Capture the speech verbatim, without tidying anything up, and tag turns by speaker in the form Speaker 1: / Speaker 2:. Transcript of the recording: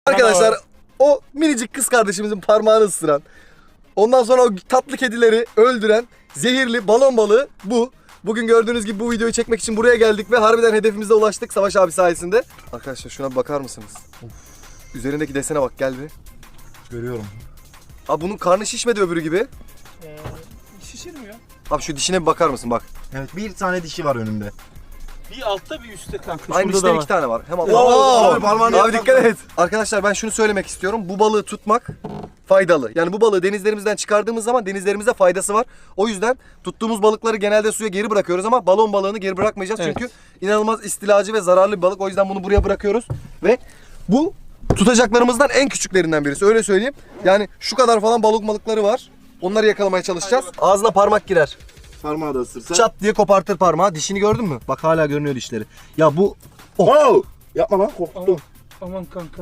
Speaker 1: Arkadaşlar o minicik kız kardeşimizin parmağını ısıran, ondan sonra o tatlı kedileri öldüren zehirli balon balığı bu. Bugün gördüğünüz gibi bu videoyu çekmek için buraya geldik ve harbiden hedefimize ulaştık Savaş abi sayesinde. Arkadaşlar şuna bir bakar mısınız? Of. Üzerindeki desene bak, gel bir.
Speaker 2: Görüyorum.
Speaker 1: Abi bunun karnı şişmedi öbürü gibi.
Speaker 3: Ee, şişirmiyor.
Speaker 1: Abi şu dişine bir bakar mısın bak.
Speaker 2: Evet, bir tane dişi var önümde.
Speaker 3: Bir altta bir üstte kanka.
Speaker 1: Aynı
Speaker 3: Şurada da
Speaker 1: dişten
Speaker 3: var.
Speaker 1: iki tane var. Hem
Speaker 2: Oo,
Speaker 1: abi,
Speaker 2: abi parmağını
Speaker 1: abi dikkat et. Arkadaşlar ben şunu söylemek istiyorum. Bu balığı tutmak faydalı. Yani bu balığı denizlerimizden çıkardığımız zaman denizlerimizde faydası var. O yüzden tuttuğumuz balıkları genelde suya geri bırakıyoruz ama balon balığını geri bırakmayacağız.
Speaker 3: Evet.
Speaker 1: Çünkü inanılmaz istilacı ve zararlı bir balık. O yüzden bunu buraya bırakıyoruz. Ve bu tutacaklarımızdan en küçüklerinden birisi. Öyle söyleyeyim. Yani şu kadar falan balık balıkları var. Onları yakalamaya çalışacağız. Ağzına parmak girer.
Speaker 2: Parmağı da ısırsa.
Speaker 1: Çat diye kopartır parmağı. Dişini gördün mü? Bak hala görünüyor dişleri. Ya bu...
Speaker 2: Oh! Yapma lan, korktum.
Speaker 3: Aman kanka.